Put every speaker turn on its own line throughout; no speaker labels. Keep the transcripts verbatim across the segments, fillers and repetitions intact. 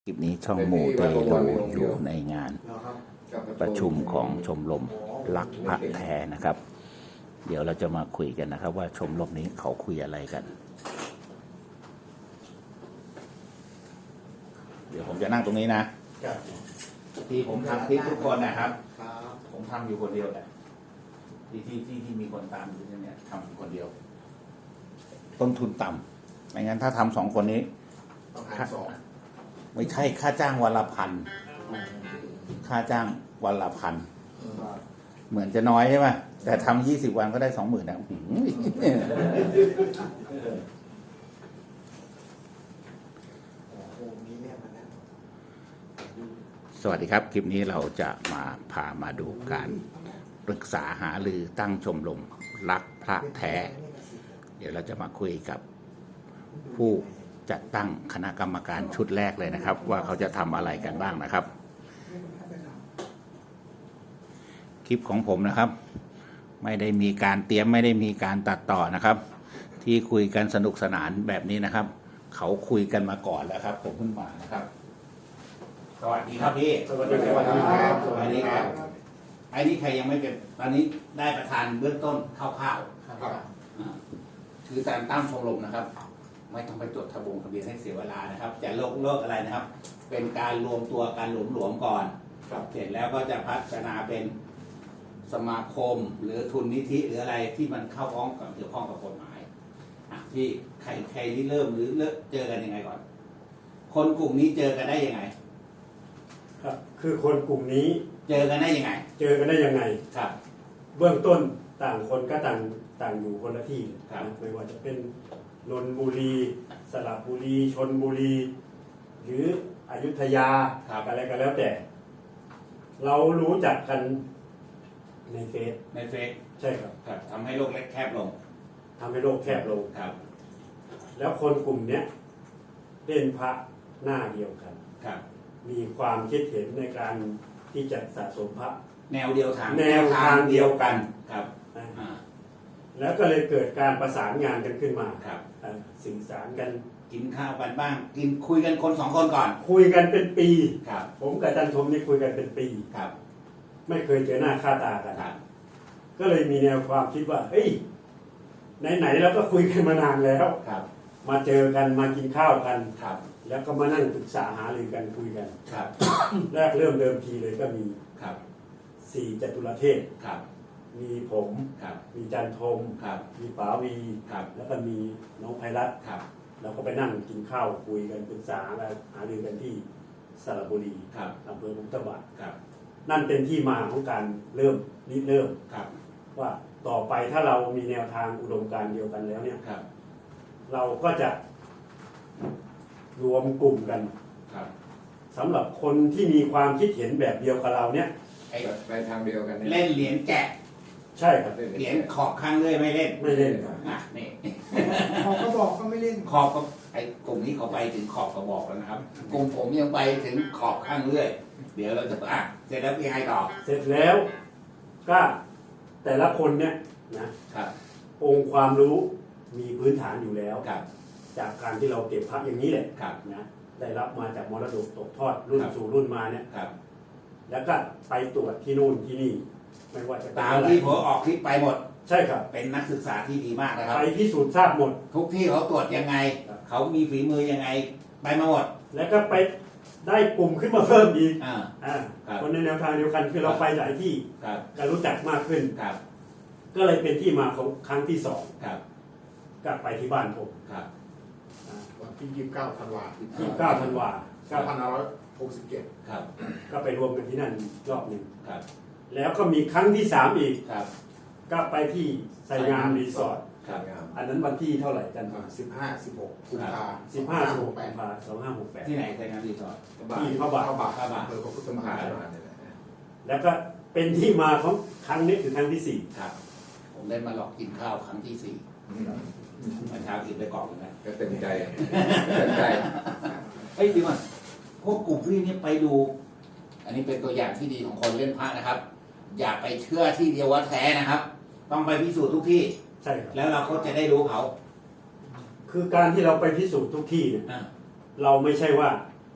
คลิปนี้ช่องมูเตลูอยู่ในงานประชุมของชมรมรักพระแท้นะครับ เดี๋ยวเราจะมาคุยกันนะครับ ว่าชมรมนี้เขาคุยอะไรกัน เดี๋ยวผมจะนั่งตรงนี้นะที่ผมทำคลิปทุกคนนะครับผมทำอยู่คนเดียวแหละที่ที่ที่ที่มีคนตามอยู่เนี่ยทำอยู่คนเดียว ต้นทุนต่ำไม่งั้นถ้าทำสองคนนี้ไม่ใช่ค่าจ้างวันละพันค่าจ้างวันละพันเหมือนจะน้อยใช่ไหมแต่ทำยี่สิบวันก็ได้สองหมื่นนะสวัสดีครับคลิปนี้เราจะมาพามาดูการปรึกษาหารือตั้งชมรมรักพระแท้เดี๋ยวเราจะมาคุยกับผู้จัดตั้งคณะกรรมการชุดแรกเลยนะครับว่าเขาจะทำอะไรกันบ้างนะครับคลิปของผมนะครับไม่ได้มีการเตรียมไม่ได้มีการตัดต่อนะครับที่คุยกันสนุกสนานแบบนี้นะครับเขาคุยกันมาก่อนแล้วครับผมเพิ่งมานะครับสวัสดีครับพี่สวัสดีครับสวัสดีครับไอ้นี่ใครยังไม่เป็นตอนนี้ได้ประธานเบื้องต้นคร่าวๆคือการตั้งชมรมนะครับไม่ต้องไปจดทะบงทะเบียนให้เสียเวลานะครับจะโลกโลกอะไรนะครับเป็นการรวมตัวการหลวมหลวมก่อนเสร็จแล้วก็จะพัฒนาเป็นสมาคมหรือทุนนิธิหรืออะไรที่มันเข้าพ้องกับเกี่ยวข้องกับกฎหมายที่ใครใครที่เริ่มหรือเลิกเจอกันยังไงก่อนคนกลุ่มนี้เจอกันได้ยังไง
ครับคือคนกลุ่มนี้
เจอกันได้ยังไง
เจอกันได้ยังไง
ครับ
เบื้องต้นต่างคนก็ต่างต่างอยู่คนละที่ไม่ว่าจะเป็นนนทบุรีสระบุรีชลบุรีหรืออยุธยาอะไรก็แล้วแต่เรารู้จักกันในเฟซ
ในเฟซ
ใช่ครับ
ครับทำให้โลกเล็กแคบลง
ทำให้โลกแคบลง
ครับ
แล้วคนกลุ่มนี้เล่นพระหน้าเดียวกัน
ครับ
มีความคิดเห็นในการที่จะสะสมพระ
แนวเดียวทาง
แนวทางเดียวกัน
ครับ
แล้วก็เลยเกิดการประสานงานกันขึ้นมา
ครับ
สื่อสารกัน
กินข้าวกันบ้างกินคุยกันคนสองคนก่อน
คุยกันเป็นปี
ครับ
ผมกับอาจารย์ธมนี่คุยกันเป็นปี
ครับ
ไม่เคยเจอหน้าค่าตากันก็เลยมีแนวความคิดว่าเฮ้ยไหนๆเราก็คุยกันมานานแล้ว
ครับ
มาเจอกันมากินข้าวกัน
ครับ
แล้วก็มานั่งปรึกษาหารือกันคุยกัน
ครับ
แรกเริ่มเดิมทีเลยก็มี
ครับ
สี่จตุรเทพ
ครับ
มีผมมีจันทมมีป๋าวีแล้วก็มีน้องไพรัตน์เราก็ไปนั่งกินข้าวคุยกันปรึกษาและหารือกันที่สระบุรีอำเภอมุกตะวันนั่นเป็นที่มาของการเริ่มริเริ่มว่าต่อไปถ้าเรามีแนวทางอุดมการณ์เดียวกันแล้วเนี่ยเราก็จะรวมกลุ่มกันสำหรับคนที่มีความคิดเห็นแบบเดียวกับเราเนี่ย
ไปทางเดียวกัน
เล่นเหรียญแกะ
ใช่ครับ
เหรียญขอบข้างเลยไม่เล่น
ไม่เล่น
อ่ะนี่
ขอบกระบอกก็ไม่เล่น
ขอบก็ไอ้กลุ่มนี้เขาไปถึงขอบกระบอกแล้วนะครับกลุ่มผมยังไปถึงขอบข้างเรื่อยเดี๋ยวเราจะอ่ะเสร็จแล้วพี่ให้ต่อ
เสร็จแล้วก็แต่ละคนเนี่ยนะครับองค์ความรู้มีพื้นฐานอยู่แล้วจากการที่เราเก็บพระอย่างนี้แหละนะได้รับมาจากมรดกตกทอดรุ่นสู่รุ่นมาเนี่ยแล้วก็ไปตรวจที่นู่นที่นี่ไม่ว่าจะ
ตามที่ผมออกคลิปไปหมด
ใช่ครับ
เป็นนักศึกษาที่ดีมากนะครับ
ไปพิสูจน์ทราบหมด
ทุกที่เขาตรวจยังไงเขามีฝีมือยังไงไปมาหมด
แล้วก็ไปได้กลุ่มขึ้นมาเพิ่มอีกคนในแนวทางเดียวกันคือเราไปหลายที่ก็รู้จักมากขึ้นก็เลยเป็นที่มาของครั้งที่สองก็ไปที่บ้านผม
วันที่ยี่สิบเก้าธันวา
ยี่สิบเก้าธันวา
เก้าพันห้าร้อยหกสิบเจ็ด
ก็ไปรวมกันที่นั่นรอบหนึ่งแล้วก็มีครั้งที่สามอีกก็ไปที่ไซงามรีสอร์ทอันนั้นวันที่เท่าไหร่กัน
สิบห้าสิบหกกุมภา
สิบห้าสิบหกกุมภาสองห้าหกแปด
ที่ไหนไซงามรีสอร์ท
ที่พระบาท
พระบาทพระบาทอำเภอพระพุทธมหาวิทยาลัย
แล้วก็เป็นที่มาของครั้งนี้คือครั้งที่สี่
ครับผมได้มาหลอกกินข้าวครั้งที่สี่มาเช้ากินไปกล่องนะ
ก็เต็มใจเต็มใจ
เฮ้ยดีมั้ยพวกกลุ่มพี่นี่ไปดูอันนี้เป็นตัวอย่างที่ดีของคนเล่นพระนะครับอย่าไปเชื่อที่เดียวว่าแท้นะครับต้องไปพิสูจน์ทุกที่
ใช่ครับ
แล้วเราก็จะได้รู้เขา
คือการที่เราไปพิสูจน์ทุกที่เนี่ยเราไม่ใช่ว่า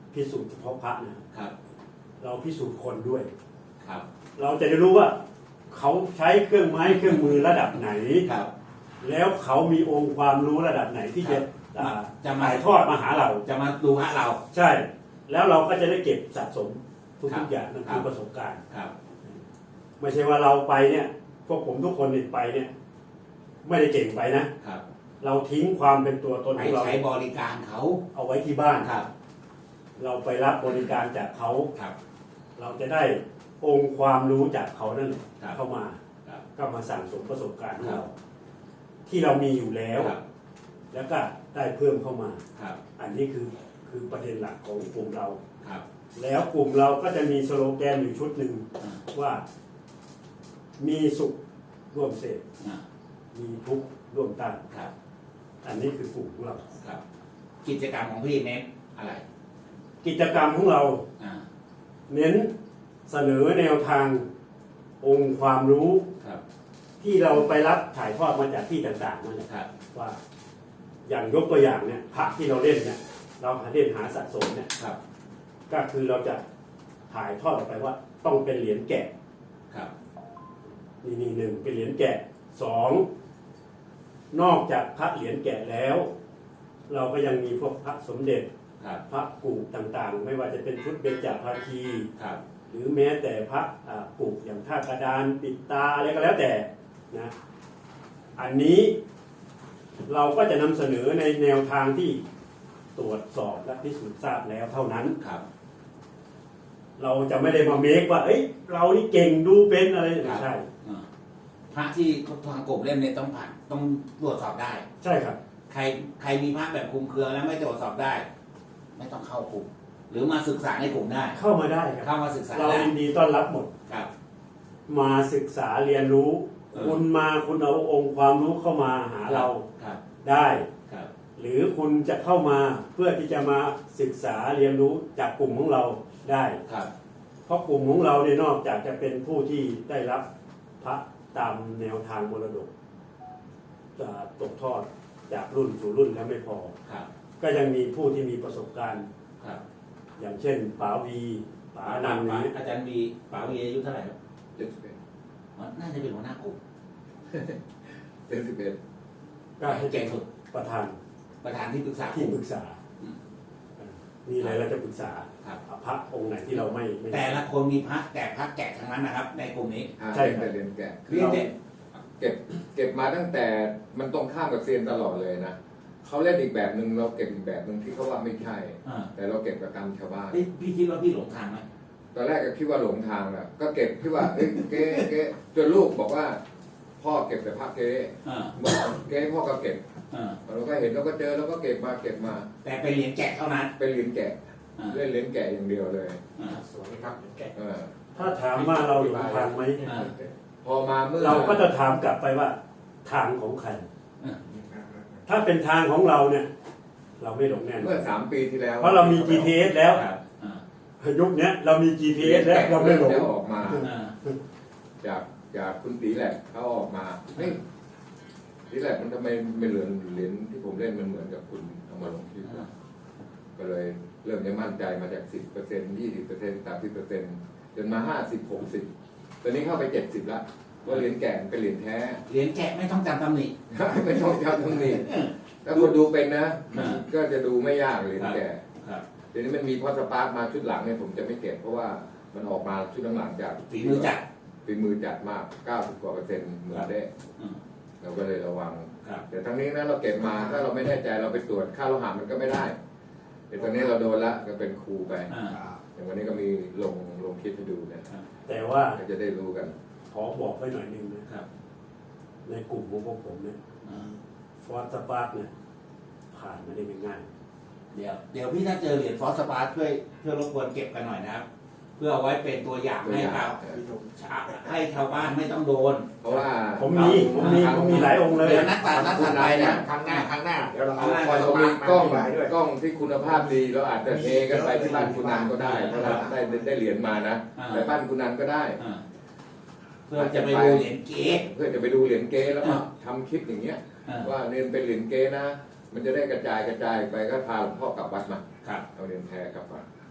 พิสูจน์เฉพาะพระนะครับ
ครับ
เราพิสูจน์คนด้วย
ครับ
เราจะได้รู้ว่าเขาใช้เครื่องไม้เครื่องมือระดับไหน
ครับ
แล้วเขามีองค์ความรู้ระดับไหนที่จะ
ครับ
อ่า
จะมา
ถ่ายทอดมาหาเรา
จะมาดูพระเรา
ใช่ แล้วเราก็จะได้เก็บสะสมทุ
ครั
ก
บ
ๆอย่างนั่น
ครั
คือบ ประสบการณ์
ครับ
ไม่ใช่ว่าเราไปเนี่ย พวกผมทุกคนเนี่ยไปเนี่ย ไม่ได้เก่งไปนะ
ครับ
เราทิ้งความเป็นตัวตน
ไป
ของเรา
ใช้บริการเขา
เอาไว้ที่บ้าน
ครับ
เราไปรับบริการจากเขา
ครับ
เราจะได้องค์ความรู้จากเขานั่นแหละ
ครับ
เข้ามา
ครับ
ก็มาสั่งสมประสบการณ์ของ
ครั
เรา
บ
ที่เรามีอยู่แล้ว
ครับ
แล้วก็ได้เพิ่มเข้ามา
ครับ
อันนี้คือคือประเด็นหลักของกลุ่มเรา
ครับ
แล้วกลุ่มเราก็จะมีสโลแกนอยู่ชุดหนึ่ง
อ่า
ว่ามีสุขร่วมเสพ
อ่า
มีทุกข์ร่วมต้าน
ครับ
อันนี้คือกลุ่มของเรา
ครับ กิจกรรมของพี่เน้นอะไร
กิจกรรมของเรา
อ่า
เน้นเสนอแนวทางองค์ความรู้
ครับ
ที่เราไปรับถ่ายทอดมาจากที่ต่างๆนั่นแหละ
ครับ
ว่าอย่างยกตัวอย่างเนี่ยพระที่เราเล่นเนี่ยเราหาเล่นหาสะสมเนี่ย
ครับ
ก็คือเราจะถ่ายทอดออกไปว่าต้องเป็นเหรียญแกะ
ครับ
นี่นี่หนึ่งเป็นเหรียญแกะสองนอกจากพระเหรียญแกะแล้ว เราก็ยังมีพวกพระสมเด็จ
ครับ
พระกูกต่างๆ ไม่ว่าจะเป็นชุดเบญจภาคี
ครับ
หรือแม้แต่พระอ่ากูกอย่างท่ากระดานปิดตาอะไรก็แล้วแต่นะอันนี้เราก็จะนำเสนอในแนวทางที่ตรวจสอบและพิสูจน์ทราบแล้วเท่านั้น
ครับ
เราจะไม่ได้มาเมคว่า เอ้ย เรานี่เก่งดูเป็นอะไรไม่ใช่
อ่าพระที่ทางกลุ่มเล่มเนี่ยต้องผ่านต้องตรวจสอบได้
ใช่ครับ
ใครใครมีพระแบบคลุมเครือแล้วไม่ตรวจสอบได้ ไม่ต้องเข้ากลุ่ม หรือมาศึกษาในกลุ่มได้
เข้ามาได้ครับ
เข้ามาศึกษา
เรา
ได้
ยินดีต้อนรับหมด
ครับ
มาศึกษาเรียนรู้
เออ
คุณมาคุณเอาองค์ความรู้เข้ามาหาเรา
ครับ
ได้
ครับ
หรือคุณจะเข้ามาเพื่อที่จะมาศึกษาเรียนรู้จากกลุ่มของเราได้
ครับ
เพราะกลุ่มของเราเนี่ยนอกจากจะเป็นผู้ที่ได้รับพระตามแนวทางมรดกจะตกทอดจากรุ่นสู่รุ่นแล้วไม่พอ
ครับ
ก็ยังมีผู้ที่มีประสบการณ์
ครับ
อย่างเช่นป๋าวีป๋าอนันต์
ป๋า
นี้
อาจารย์มีป๋าวีอายุเท่าไหร่ครับ
เจ็ดสิบเอ็ด
น่าจะเป็นหัวหน้ากลุ่ม
เจ็ดสิบเอ็ด
ก็ให้
เก่งสุด
ประธาน
ประธานที่ปรึกษา
ที่ปรึกษา
อืม
มีอะไรเราจะปรึกษา
ครับ
พระองค์ไหนที่เราไม่ไม่
แต่ละคนมีพระแต่พระแกะทั้งนั้นนะครับ ในกลุ่มนี้
อ่า
ใช่
เรียน
ครับ
แต่เรียนแกะ
เรียนเด็ก
เก็บเก็บมาตั้งแต่มันตรงข้ามกับเซียนตลอดเลยนะเขาเล่นอีกแบบหนึ่งเราเก็บอีกแบบหนึ่งที่เขาว่าไม่ใช่
อ่า
แต่เราเก็บกับกรรมชาวบ้าน
เฮ้ยพี่คิดว่าพี่หลงทางไหม
ตอนแรกก็คิดว่าหลงทางแหละก็เก็บคิดว่าเอ้ยเก๊เก๊จนลูกบอกว่า พ่อเก็บแต่พระเก๊
อ่า
บอกเก๊พ่อก็เก็บ
อ่า
เราก็เห็นเราก็เจอเราก็เก็บมาเก็บมา
แต่เป็นเหรียญแกะเท่านั้น
เป็นเหรียญแกะ
อ่า
เล่นเหรียญแกะอย่างเดียวเลย
อ่า
สวยครับแกะ
เออ
ถ้าถามว่าเราหลงทางไหม
อ่า
พอมาเมื่อ
เราก็จะถามกลับไปว่าทางของใคร
อ่า
ถ้าเป็นทางของเราเนี่ย เราไม่หลงแน่นอ
เมื่อน สามปีที่แล้ว
เพราะเรามี จี พี เอส แล้ว
ครับอ่า
ยุคเนี้ยเรามี จี พี เอส แล้วเราไม่หลง
จะออกมา
อ่า
จากจากคุณตีแหลกเขาออกมาเฮ้ยตีแหลกมันทำไมไม่เหลือนเหรียญที่ผมเล่นมันเหมือนกับคุณเอามาลงที่ว่าก็เลยเริ่มจะมั่นใจมาจากสิบเปอร์เซ็นต์ยี่สิบเปอร์เซ็นต์สามสิบเปอร์เซ็นต์จนมาห้าสิบหกสิบตอนนี้เข้าไปเจ็ดสิบละว่าเหรียญแก่มันเป็นเหรียญแท้
เหรียญแกะไม่ต้องจำตำหนิ
ไม่ต้องจำตรงนี้ถ้าคนดูเป็นนะ
อ่า
ก็จะดูไม่ยากเหรียญแก่
ครับ
เดี๋ยวนี้มันมีพอสปาร์คมาชุดหลังเนี่ยผมจะไม่เก็บเพราะว่ามันออกมาชุดหลังๆจาก
ฝีมือจัด
ฝีมือจัดมากเก้าสิบกว่าเปอร์เซ็นต์เหมือนได้
อืม
เราก็เลยระวัง
ครับ
แต่ทั้งนี้นะเราเก็บมาถ้าเราไม่แน่ใจเราไปตรวจค่าโลหะมันก็ไม่ได้แต่ตอนนี้เราโดนละก็เป็นครูไป
อ่า
อย่างวันนี้ก็มีลงลงคลิปให้ดูนะ
แต่ว่า
ก็จะได้รู้กัน
ขอบอกไว้หน่อยหนึงนะครับ ในกลุ่มของพวกผมเนี่ย
อ่า
ฟอร์สปาร์กเนี่ยผ่านมาได้ไม่ง่าย
เดี๋ยวเดี๋ยวพี่ถ้าเจอเหรียญฟอสสปาร์ช่วยช่วยรบกวนเก็บกันหน่อยนะครับ เพื่อเอาไว้เป็นตัวอย่าง
ตัว
ให้
อย่าง
ชาว
เออ
ให้ชาวบ้านไม่ต้องโดน
เพราะว่า
ผมมีผมมีผมมีหลายองค์เลย
เดี๋ยวนัดตัดนัดตัดไปนะ
ครั้งหน้าครั้งหน้าเดี๋ยวเราเอาคอย
เรา
ส
มี
มาร์ท
กล้อง
มาด้วย
กล้องที่คุณภาพดีเราอาจจะเทกันไปที่บ้านคุณนันก็ได้เพราะเราได้ได้เหรียญมานะ
อ่า
แต่บ้านคุณนันก็ได้
อ่าเพื่อจะไปดูเหรียญเก๊
เพื่อจะไปดูเหรียญเก๊แล้วก็ทำคลิปอย่างเงี้ย
อ่า
ว่าเรียนเป็นเหรียญเก๊นะ มันจะได้กระจายกระจายไปก็พาหลวงพ่อกลับวัดมา
ครับ
เอาเหรียญแท้กลับมา
ค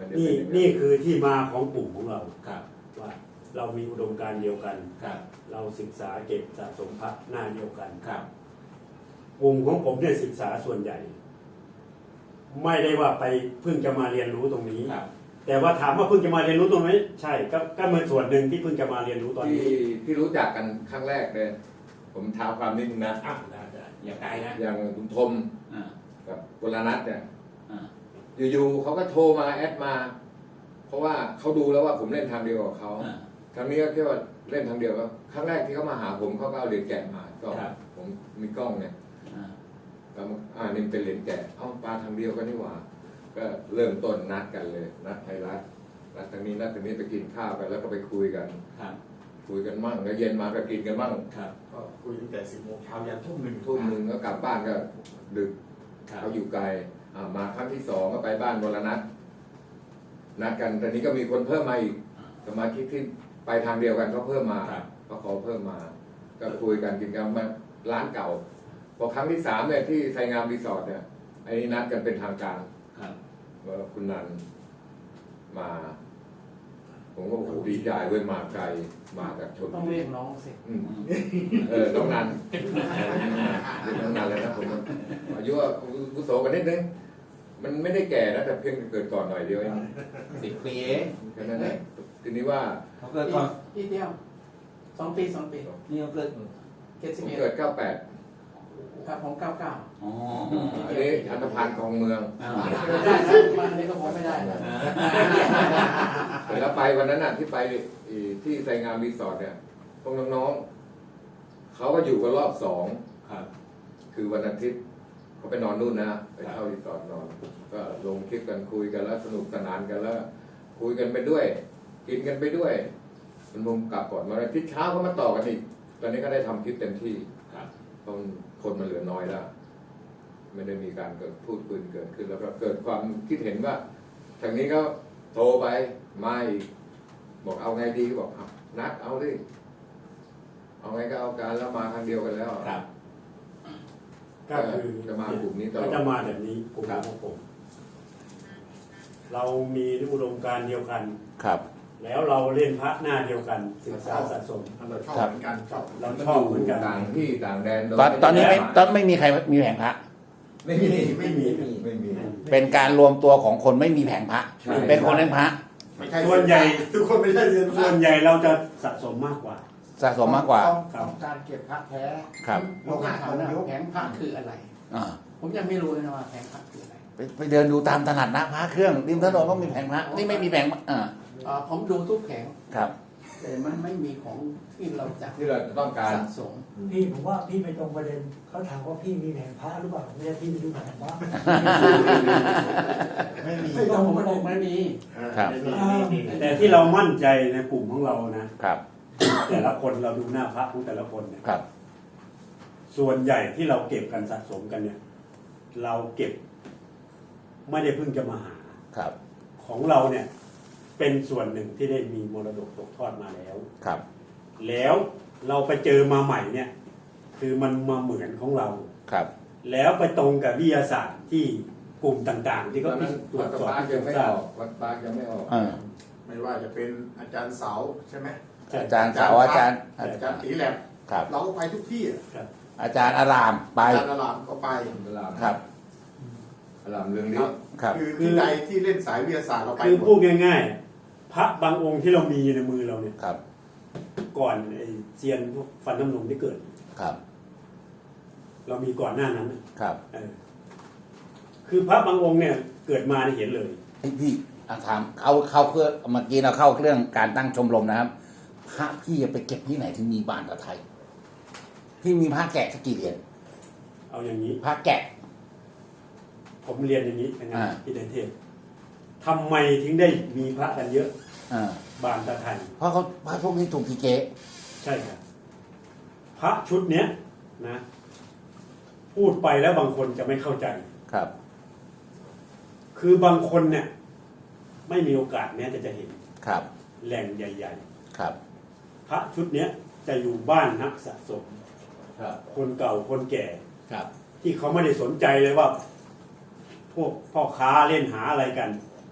มันจะ
นี่
เป็นอย่าง
นี่คือที่มาของกลุ่มของเรา
ครับ
ว่าเรามีอุดมการณ์เดียวกัน
ครับ
เราศึกษาเก็บสะสมพระหน้าเดียวกัน
ครับ
กลุ่มของผมเนี่ยศึกษาส่วนใหญ่ ไม่ได้ว่าไปเพิ่งจะมาเรียนรู้ตรงนี้
ครับ
แต่ว่าถามว่าเพิ่งจะมาเรียนรู้ตรงนี้ใช่ก็ก็เป็นส่วนหนึ่งที่เพิ่งจะมาเรียนรู้ตอน
ที่
นี้
ที่รู้จักกันครั้งแรกเลยผมท้าความนิดนึงนะ
อ่ะได้ได้
อย่าไกลนะ
อย่างคุณทม
อ่า
กับกุลนัทเนี่ย
อ่า
อยู่ๆเขาก็โทรมาแอดมา เพราะว่าเขาดูแล้วว่าผมเล่นทางเดียวกับเขา
อ่า
ครั้งนี้ก็แค่ว่าเล่นทางเดียวก็ครั้งแรกที่เขามาหาผมเขาก็เอาเหรียญแกะมาก็
ครับ
ผมมีกล้องเนี่ย
อ่า
ก็มาอ่านี่เป็นเหรียญแกะเอ้าปลาทางเดียวกันนี่หว่า ก็เริ่มต้นนัดกันเลย นัดไทยรัฐนัดทางนี้นัดทางนี้ไปกินข้าวกันแล้วก็ไปคุยกัน
ครับ
คุยกันมั่งแล้วเย็นมาก็กินกันมั่ง
ครับ
ก็คุยตั้งแต่สิบโมงเช้ายันทุ่มหนึ่ง
ทุ่มหนึ่งก็กลับบ้านก็ดึก
ครับ
เขาอยู่ไกลอ่ามาครั้งที่สองก็ไปบ้านวรนัทนัดกันแต่นี้ก็มีคนเพิ่มมาอีกสมาชิกที่ไปทางเดียวกันเขาเพิ่มมา
ครับ
เขาขอเพิ่มมา ก็คุยกันกินกันมาร้านเก่า พอครั้งที่สามเนี่ยที่ไซงามรีสอร์ทเนี่ยไอ้นี่นัดกันเป็นทางการ
ครับ
ว่าคุณนันมา ผมก็โอ้โหดีใจเว้ยมาไกลมาจากชน
ต้องเรียกน้องสิ
อืมเออน้องนันเรียกน้องนันเลยนะผมอายุว่ากุโสกันนิดนึงมันไม่ได้แก่นะแต่เพียงเกิดก่อนหน่อยเดียวเอง
สิบปีเอง
แค่นั้นเองทีนี้ว่า
เขาเกิดก่อน
พี่เดียวสองปีสองปี
นี่เขาเกิด
เจ็ด
ผ
สิบ
ม
เอ็ด
เกิดเก้าแปด
ครับผมเก้าเก้า
อ๋อ
อันนี้อันธพาลคลองเมือง
อ่า
ได้นะมันอันนี้ก็ผมไม่ได้นะ
แต่แล้วไปวันนั้นน่ะที่ไปที่ไซงามรีสอร์ทเนี่ยพวกน้องๆเขาก็อยู่กันรอบสอง
ครับ
คือวันอาทิตย์เขาไปนอนนู่นนะไปเช่ารีสอร์ทนอน ก็ลงคลิปกันคุยกันแล้วสนุกสนานกันแล้ว คุยกันไปด้วย กินกันไปด้วย มันมุมกลับก่อนมาอาทิตย์เช้าก็มาต่อกันอีกตอนนี้ก็ได้ทำคลิปเต็มที่
ครับ
เพราะคนมันเหลือน้อยแล้ว ไม่ได้มีการเกิดพูดคุยเกิดขึ้นแล้วก็เกิดความคิดเห็นว่าทางนี้ก็โทรไปมาอีกบอกเอาไงดีก็บอกเอานัดเอาดิเอาไงก็เอาการแล้วมาทางเดียวกันแล้ว
ครับ
ก็คือ
จะมากลุ่มนี้ตลอด
ก็จะมาแบบนี้กลุ่มของผม เรามีอุดมการณ์เดียวกัน
ครับ
แล้วเราเล่นพระหน้าเดียวกัน ศึกษาสะสม
เราชอบเหมือนกันชอบ
เราชอบเหมือนกัน
ต่างที่ต่างแดนโดย
ตอนตอนนี้ไม่ตอนไม่มีใครมีแผงพระ
ไม่มี
ไม่มี
ไม่มี
เป็นการรวมตัวของคนไม่มีแผงพระ
ใช่
เป็นคนเล่นพระ
ไม่ใช่
ส่วนใหญ่
ทุกคนไม่ใช่เรียน
ส่วนใหญ่เราจะสะสมมากกว่า
สะสมมากกว่า
ต้องต้องการเก็บพระแท้
ครับ
ผมอยากถามนะแผงพระคืออะไร
อ่า
ผมยังไม่รู้เลยนะว่าแผงพระคืออะไร
ไปไปเดินดูตามตลาดนัดพระเครื่องริมถนนก็มีแผงพระนี่ไม่มีแผงพระอ่า
เอ่อผมดูทุกแผง
ครับ
แต่มันไม่มีของที่เราจะ
ที่เราจะต้องการ
สะสม
พี่ผมว่าพี่ไม่ตรงประเด็นเขาถามว่าพี่มีแผงพระหรือเปล่าไม่ใช่พี่มีดูแผงพระ
ไม่มี
ไม่ตรงประเด็น
ไม่มี
ครับ
แต่ที่เรามั่นใจในกลุ่มของเรานะ
ครับ
แต่ละคนเราดูหน้าพระของแต่ละคนเนี่ย
ครับ
ส่วนใหญ่ที่เราเก็บกันสะสมกันเนี่ย เราเก็บ ไม่ได้เพิ่งจะมาหา
ครับ
ของเราเนี่ย เป็นส่วนหนึ่งที่ได้มีมรดกตกทอดมาแล้ว
ครับ
แล้วเราไปเจอมาใหม่เนี่ย คือมันมาเหมือนของเรา
ครับ
แล้วไปตรงกับวิทยาศาสตร์ที่กลุ่มต่างๆ ที่
ต
เขา
อนนั้น
ตรว
วั
จ
ด
สอบ
ปาร์ก
พิ
ยั
สู
ง
จน์
ไม่
ทรา
อบ อกวัดปาร์กยังไม่ออก
อ่า
ไม่ว่าจะเป็นอาจารย์เสาใช่ไหม
อาจารย์สาวอาจารย์
อาจารย์ตีแหลม
ครับ
เราก็ไปทุกที่อะ
อาจารย์อารามไป
อาจารย์อารามก็ไป
อาราม
ครับ
อารามเรื่องนี้
ครับ
คือที่ใดที่เล่นสายวิทยาศาสตร์เราไป
คือ
หม
พูด
ด
ง่ายๆ พระบางองค์ที่เรามีในมือเราเนี่ย
ครับ
ก่อนไอ้เซียนพวกฟันน้ำนมที่เกิด
ครับ
เรามีก่อนหน้านั้นน่ะ
ครับ
เออคือพระบางองค์เนี่ยเกิดมาเนี่ยเห็นเลย
พี่พี่อ่ะถามเข้าเข้าเครื่องเมื่อกี้เราเข้าเรื่องการตั้งชมรมนะครับ พระพี่จะไปเก็บที่ไหนถึงมีบ้านกับไทย พี่มีพระแกะสักกี่เหรียญ
เอาอย่างนี้
พระแกะ
ผมเรียนอย่างนี้นะครั
อ่า
บที่ในเทศทำไมถึงได้มีพระกันเยอะ
อ่า
บานตะไทย
เพราะเขาพระพวกนี้ถูกทีเกะ
ใช่ครับ พระชุดเนี้ยนะ พูดไปแล้วบางคนจะไม่เข้าใจ
ครับ
คือบางคนเนี่ย ไม่มีโอกาสแม้แต่จะเห็น
ครับ
แหล่งใหญ่
ครับ
ๆ พระชุดเนี้ยจะอยู่บ้านนักสะสม
ครับ
คนเก่าคนแก่
ครับ
ที่เขาไม่ได้สนใจเลยว่า พวกพ่อค้าเล่นหาอะไรกัน เ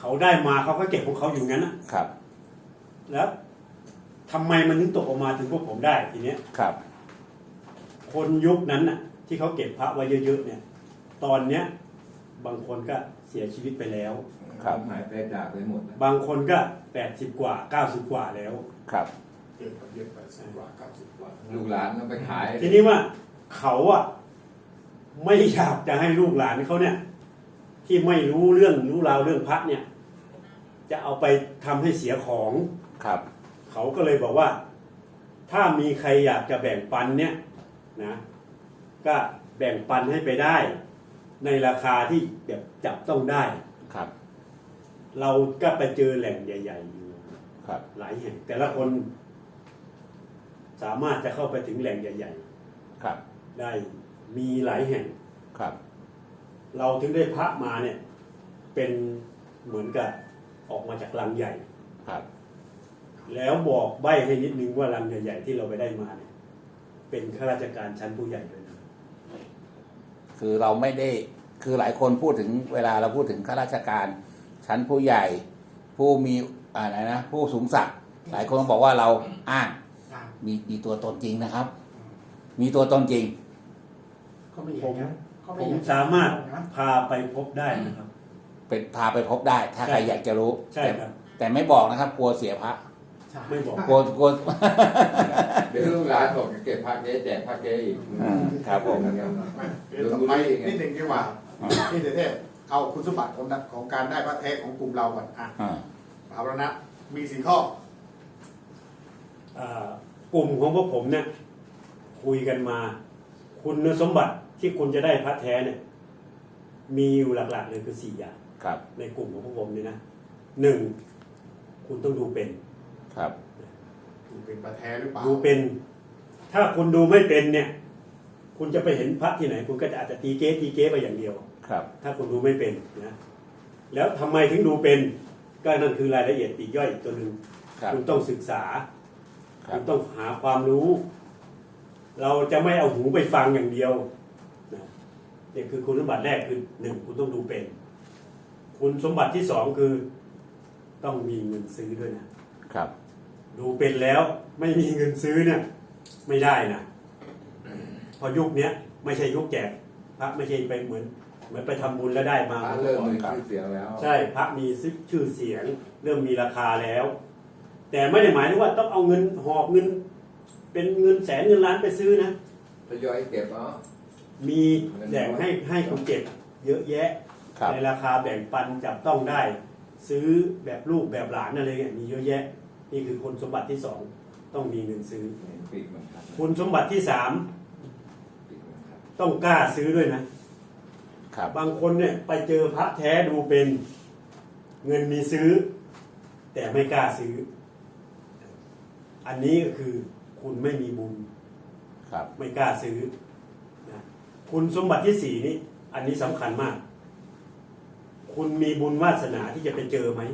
เขาได้มาเขาก็เก็บของเขาอยู่งั้นนะครับ แล้วทำไมมันถึงตกออกมาถึงพวกผมได้ทีเนี้ย
ครับ
คนยุคนั้นน่ะ ที่เขาเก็บพระไว้เยอะๆเนี่ย ตอนเนี้ย บางคนก็เสียชีวิตไปแล้ว
ครับ
หายไปจากไปหมดแล้ว
บางคนก็แปดสิบกว่าเก้าสิบกว่าแล้ว
ครับ
เกิดกับเยอะไปสิบกว่าเก้าสิบกว่า
ลูกหลานต้องไปขาย
ทีนี้ว่าเขาอะไม่อยากจะให้ลูกหลานเขาเนี่ย ที่ไม่รู้เรื่องรู้ราวเรื่องพระเนี่ย จะเอาไปทำให้เสียของ
ครับ
เขาก็เลยบอกว่า ถ้ามีใครอยากจะแบ่งปันเนี่ยนะก็แบ่งปันให้ไปได้ ในราคาที่แบบจับต้องได้
ครับ
เราก็ไปเจอแหล่งใหญ่ๆอยู่
ครับ
หลายแห่ง แต่ละคนสามารถจะเข้าไปถึงแหล่งใหญ่
ครับ
ๆ ได้มีหลายแห่ง
ครับ
เราถึงได้พระมาเนี่ย เป็นเหมือนกับออกมาจากลังใหญ่
ครับ
แล้วบอกใบ้ให้นิดนึงว่าลังใหญ่ๆที่เราไปได้มาเนี่ย เป็นข้าราชการชั้นผู้ใหญ่เลยนะ
คือเราไม่ได้ คือหลายคนพูดถึงเวลาเราพูดถึงข้าราชการชั้นผู้ใหญ่ ผู้มีอะไรนะ ผู้สูงศักดิ์ หลายคนบอกว่าเราอ้าง
อ่า
มีมีตัวตนจริงนะครับ มีตัวตนจริง
ก็ไม่อย่างนั้นก็
ผ
ไม่อ
ม
ย่างนั้น
สามารถ
นะ
พาไปพบได้นะครับ
เป็นพาไปพบได้ ถ้าใคร
ใช่
อยากจะรู้
ใช่ครับ
แต่แต่ไม่บอกนะครับ กลัวเสียพระ
ใช่
ไม่บอก
กลัวกลัว
เดี๋ยวลูกหลานบอกจะเก็บพระเก๊แจกพระเก๊อีก
อ่าครับผม
ไม่เดี๋ยวต่อไปนิดหนึ่งดีกว่านี่เทพเอาคุณสมบัติของของการได้พระแท้ของกลุ่มเราก่อนอ่ะ
อ่า
เอาแล้วนะมีสี่ข้อ
อ่ากลุ่มของพวกผมเนี่ยคุยกันมา คุณสมบัติที่คุณจะได้พระแท้เนี่ย มีอยู่หลักๆเลยคือสี่อย่าง
ครับ
ในกลุ่มของพวกผมเนี่ยนะหนึ่งคุณต้องดูเป็น
ครับ
เป็นพระแท้หรือเปล่า
ดูเป็น ถ้าคุณดูไม่เป็นเนี่ย คุณจะไปเห็นพระที่ไหน คุณก็จะอาจจะตีเก๊ตีเก๊ไปอย่างเดียว
ครับ
ถ้าคุณดูไม่เป็นนะแล้วทำไมถึงดูเป็น ก็นั่นคือรายละเอียดปลีกย่อยอีกตัวหนึ่ง
ครับ
คุณต้องศึกษา
ครั
คุ
บ
ณต้องหาความรู้ เราจะไม่เอาหูไปฟังอย่างเดียวนะนี่คือคุณสมบัติแรกคือหนึ่งคุณต้องดูเป็น คุณสมบัติที่สองคือ ต้องมีเงินซื้อด้วยนะ
ครับ
ดูเป็นแล้วไม่มีเงินซื้อเนี่ย ไม่ได้นะเพอยุคเนี้ยไม่ใช่ยุคแจกพระไม่ใช่ไปเหมือนเหมือนไปทำบุญแล้วได้มา
พระเริ่มมีชื่อเสียงแล้ว
ใช่พระมีชื่อเสียง เริ่มมีราคาแล้ว แต่ไม่ได้หมายถึงว่าต้องเอาเงินหอบเงิน เป็นเงินแสนเงินล้านไปซื้อนะ
ทยอยเก็บเนาะ
มีแหล่งให้ให้คุณเก็บเยอะแยะ
ครับ
ในราคาแบ่งปันจับต้องได้ ซื้อแบบลูกแบบหลานอะไรเงี้ยมีเยอะแยะ นี่คือคุณสมบัติที่สองต้องมีเงินซื้อ
ปีกมันครับ
คุณสมบัติที่สาม
ปีกมันครับ
ต้องกล้าซื้อด้วยนะ
ครับ
บางคนเนี่ยไปเจอพระแท้ดูเป็นเงินมีซื้อ แต่ไม่กล้าซื้อ อันนี้ก็คือคุณไม่มีบุญ
ครับ
ไม่กล้าซื้อนะคุณสมบัติที่สี่นี่อันนี้สำคัญมาก คุณมีบุญวาสนาที่จะไปเจอไหม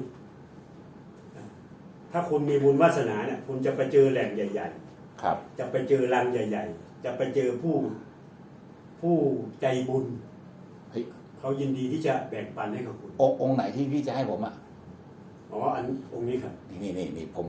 ถ้าคุณมีบุญวาสนาเนี่ยคุณจะไปเจอแหล่งใหญ่
ครับ
ๆ จะไปเจอรังใหญ่ ๆ จะไปเจอผู้ผู้ใจบุญ
เฮ้ย
เขายินดีที่จะแบ่งปันให้กับคุณ
องค์องค์ไหนที่พี่จะให้ผมอ่ะ
อ๋ออันองค์นี้ครับ
นี่นี่นี่นี่ผม